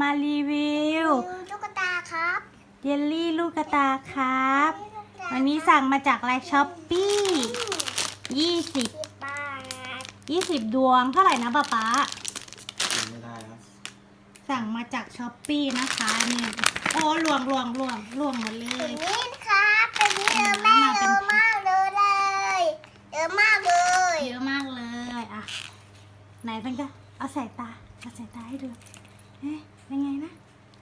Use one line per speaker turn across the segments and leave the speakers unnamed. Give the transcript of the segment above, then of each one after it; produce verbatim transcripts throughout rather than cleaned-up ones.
มารีวิว
ตุ๊กตาครับ
เยลลี่ลูกกระตาครับวันนี้สั่งมาจากไลน์ช้อปปี้ยี่สิบบ
าท
ยี่สิบดวงเท่าไหร่นะป๊าป๊า
ไม่ได้ครับ
สั่งมาจากช้อปปี้นะคะนี่โอ้หลวงหลวงหลวงหลวงหมดเล
ตัวย นี้ครับตัวนี้เยอะมากเยอะมากเลยเยอะมากเลย
เยอะมากเลยอ่ะไหนเป็นก็เอาใส่ตาเอาใส่ตาให้ดูเอ๊ะเป็นไงนะ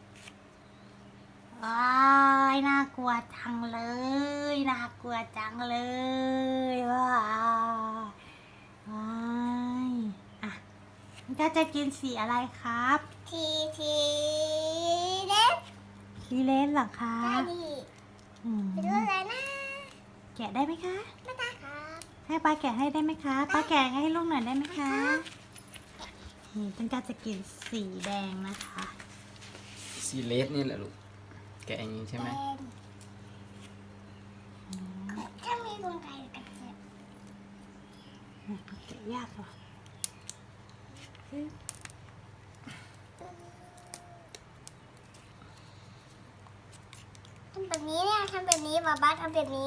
ว้ายน่ากลัวจังเลยน่ากลัวจังเลยว้าวว้ายอ่ะมันก็จะกินสีอะไรครับ
ทีทีเล็ก
สีเลนเหรอคะ
ได้ดิ
อืม
ไปดูอะไรนะ
แกะได้ไหมคะ
ไม่ได้ครับ
ให้ป้าแกะให้ได้ไหมคะป้าแกะให้ลูกหน่อยได้ไหมคะนี่เป็นการจะกินสีแดงนะคะ
สีเลสนี่แหละลูกแกะอย่างนี้ใช่ไหม
ถ้ามีกรงไก่กับเจ็บ
แกะยากเหรอ
ทำแบบนี้เนี่ยทำแบบนี้บาบ้าทำแบบนี้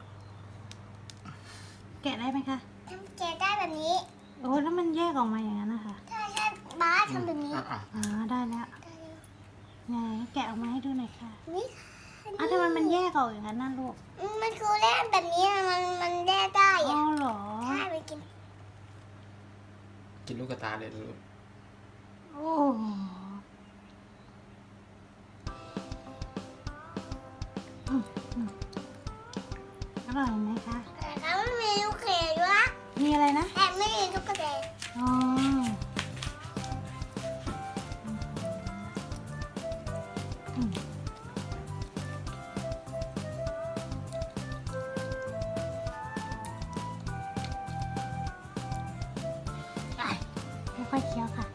แกะได้ไหมคะ
ทำแกะได้แบบนี้
โอ้แล้วมันแยกออกมาอย่างนั้นนะคะ
ใช่ใช่บ้าทำแบบนี้
อ๋อได้แล้วไงแกะออกมาให้ดูหน่อยค่ะ
นี่
อ้าวทำไมมันแยกออกอย่างนั้นน่ะลูก
มันคือเล่นแบบนี้มันมันแยกได้
อ๋อเหรอ
ใช่ไปกิน
กินลูกกระตาเลยลูก
โอ้อร่อยไหมคะ
แล้วมันมีลูกเขยด้วย
มีอะไรนะ
แต่ไม่มีลูกกระเดย
อ๋อค่อยๆเคี้ยวค่ะ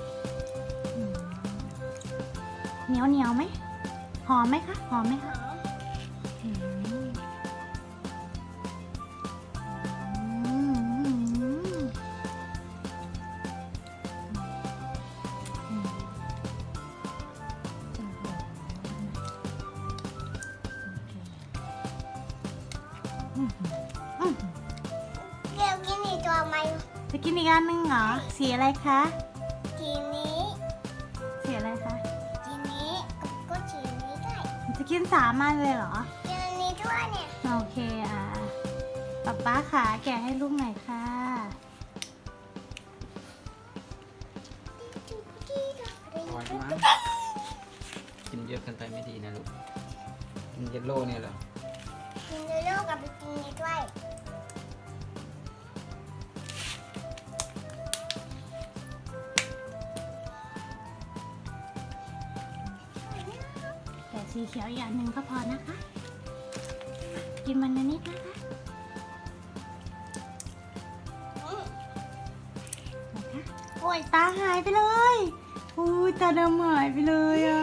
เหนียวเหนียวไหมหอมไหมคะหอมไหมคะ
เดี๋ยวกินอีกตัวไหม
จะกินอีกอันนึงเหรอสีอะไรคะ
สีนี้
สีอะไรคะ
สีนี้ก็สีนี้ด้วย
จะกินสามอันเลยเหรอ
กินอันนี้ด้วยเนี่ย
โอเคอ่ะป๊าป๊าขาแกะให้ลูกหน่อยค่ะ
อร่อยมากกินเยอะเกินไปไม่ดีนะลูกกินเยลโล่เนี่ยเหรอ
กินเยลโล่กับบิกินี่ด้วย
แต่สีเขียวอย่างหนึ่งก็พอนะคะ กินมันนิดนะคะนะคะโอ้ยตาหายไปเลยโอ้ยตาดำหายไปเลยอ่ะ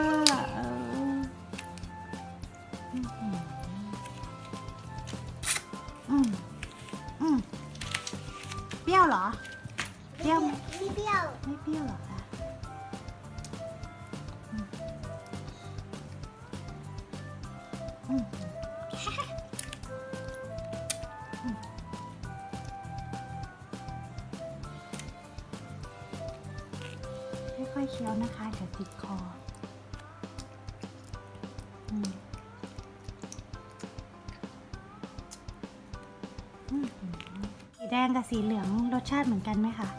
อืมอืมเปรี้ยวเหรอเปรี้ยวไหม
ไม่เปรี้ยว
ไม่เปรี้ยวหรอคะค่อยๆเคี้ยวนะคะเดี๋ยวติดคอสีแดงกับสีเหลืองรสชาติเหมือนกันไหมคะ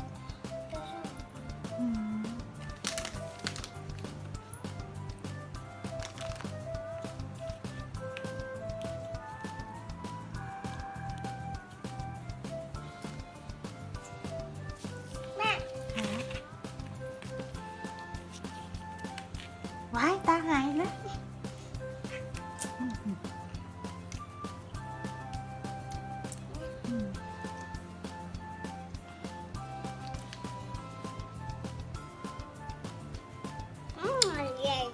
ว้ายตาหายแล้ว
อืมใหญ่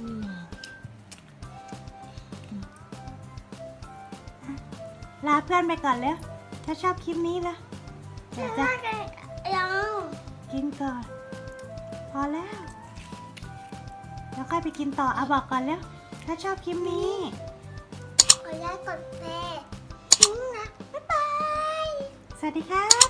ลาเพื่อนไปก่อนแล้วถ้าชอบคลิปนี้ละเดี๋ยวจะ
ยัง
กินก่อนพอแล้วแล้วค่อยไปกินต่อเอาบอกก่อนแล้วถ้าชอบคลิปนี้
กดไลค์กดแชร์ทิ้งนะบ๊ายบาย
สวัสดีค่ะ